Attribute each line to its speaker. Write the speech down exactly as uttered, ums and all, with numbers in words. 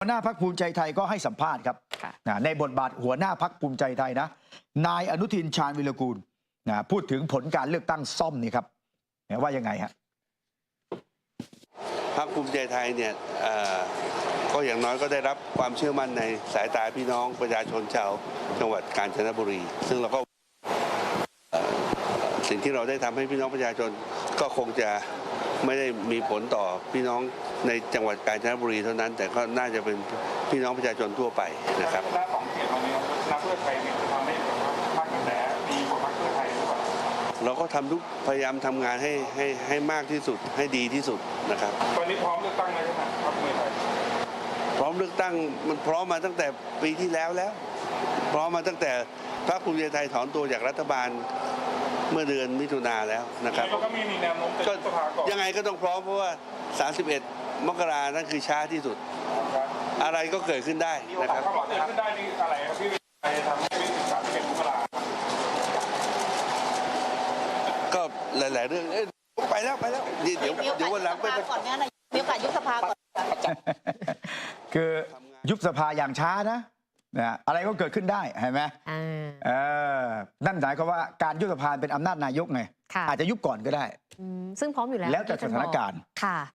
Speaker 1: หัวหน้าพรรคภูมิใจไทยก็ให้สัมภาษณ์ครับในบทบาทหัวหน้าพรรคภูมิใจไทยนะนายอนุทินชาญวิรากูลนะพูดถึงผลการเลือกตั้งซ่อมนี่ครับว่ายังไงฮะ
Speaker 2: พรรคภูมิใจไทยเนี่ยก็อย่างน้อยก็ได้รับความเชื่อมั่นในสายตาพี่น้องประชาชนชาวจังหวัดกาญจนบุรีซึ่งเราก็สิ่งที่เราได้ทำให้พี่น้องประชาชนก็คงจะไม่ได้มีผลต่อพี่น้องในจังหวัดกาญจนบุรีเท่านั้นแต่ก็น่าจะเป็นพี่น้องประชาชนทั่วไปนะครับ
Speaker 3: ด้านของเขตตรงนี้นักเพื่อไทยเนี่ยจะทำให้พรรคกระแสดีกว่าพรรคเพื่อไทยหรือเปล่า
Speaker 2: เราก็ทำทุกพยายามทำงานให้ให้ให้มากที่สุดให้ดีที่สุดนะครับ
Speaker 3: ตอนนี้พร้อมเลือกตั้งเลยใช่ไหมพรรคเพื่อไทย
Speaker 2: พร้อมเลือกตั้งมันพร้อมมาตั้งแต่ปีที่แล้วแล้วพร้อมมาตั้งแต่พรรคภูมิใจไทยถอนตัวจากรัฐบาลเมื่อเดือนมิถุนาแล้วนะครับ
Speaker 3: ก็มีแนวโน้มจะยุบสภาก่อน
Speaker 2: ยังไงก็ต้องพร้อมเพราะว่าสามสิบเอ็ดมกรานั่นคือช้าที่สุดอะไรก็เกิดขึ้นได้นะครับ
Speaker 3: เกิดขึ้นได้นี่อะไรครับพี่ไปทำให้สามสิบเอ็ดมกรา
Speaker 2: ก็หลายๆเรื่องไปแล้วไปแล้วเดี๋ยวเดี๋ยววันหลังไป
Speaker 4: ก่อนเนี่ยนะมีโอกาสยุบสภาก่อน
Speaker 1: คือยุบสภาอย่างช้านะนะอะไรก็เกิดขึ้นได้เห็นไหมเออนั่นหมายความว่าการยุบสภาเป็นอำนาจนายกไงอาจจะยุบก่อนก็ได้
Speaker 4: ซึ่งพร้อมอยู่แล้ว
Speaker 1: แล้วแต่สถานการณ์